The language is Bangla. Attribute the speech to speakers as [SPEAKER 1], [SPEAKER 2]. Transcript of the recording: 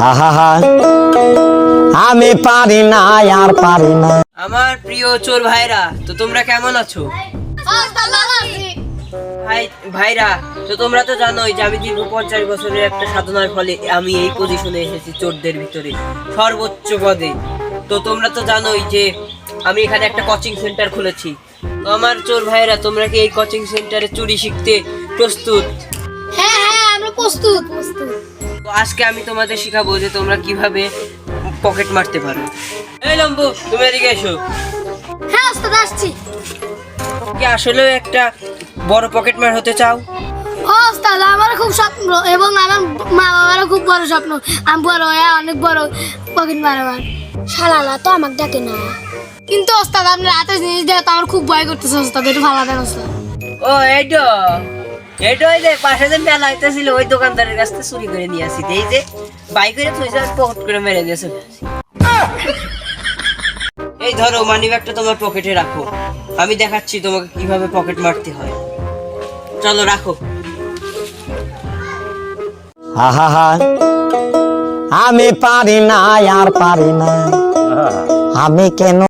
[SPEAKER 1] আহা আমি পারি না আর পারি না।
[SPEAKER 2] আমার প্রিয় চোর ভাইরা, তো তোমরা কেমন আছো? ভাইরা, তো তোমরা তো জানোই যে আমি দীর্ঘ 50 বছরের একটা সাধনার ফলে আমি এই পজিশনে এসেছি, চোরদের ভিতরে সর্বোচ্চ পদে। তো তোমরা তো জানোই যে আমি এখানে একটা কোচিং সেন্টার খুলেছি। তো আমার চোর ভাইরা, তোমরা কি এই কোচিং সেন্টারে চুরি শিখতে প্রস্তুত?
[SPEAKER 3] হ্যাঁ হ্যাঁ, আমরা প্রস্তুত।
[SPEAKER 2] তো আজকে আমি তোমাদের শিখাবো যে তোমরা কিভাবে পকেট মারতে পারো। এই লম্বু, তুমি এদিকে এসো।
[SPEAKER 3] হ্যাঁ ওস্তাদ, আসছি।
[SPEAKER 2] কি আসলেও একটা বড় পকেট মার হতে চাও?
[SPEAKER 3] ওস্তাদ, আমার খুব স্বপ্ন এবং আমার মা বাবারও খুব বড় স্বপ্ন আমি বড় হয়ে অনেক বড় পকেট মারবার। শালালা তো আমাকে ডাকে না, কিন্তু ওস্তাদ আপনার হাতে জিনিস দেওয়া তো আমার খুব ভয় করতেছে ওস্তাদ, একটু ভালো দেন ওস্তাদ।
[SPEAKER 2] ও এইটা ওই যে পাশে যে মেলা হইতেছিল ওই দোকানদারের কাছ থেকে চুরি করে নিয়ে আসি। এই যে বাইক করে থইছে, পকেট করে মেরে দিয়েছে। এই ধরো, মানি ব্যাগটা তোমার পকেটে রাখো, আমি দেখাচ্ছি তোমাকে কিভাবে পকেট মারতে হয়। চলো রাখো।
[SPEAKER 1] আহা আমি পারি না আর পারি না, আমি কেন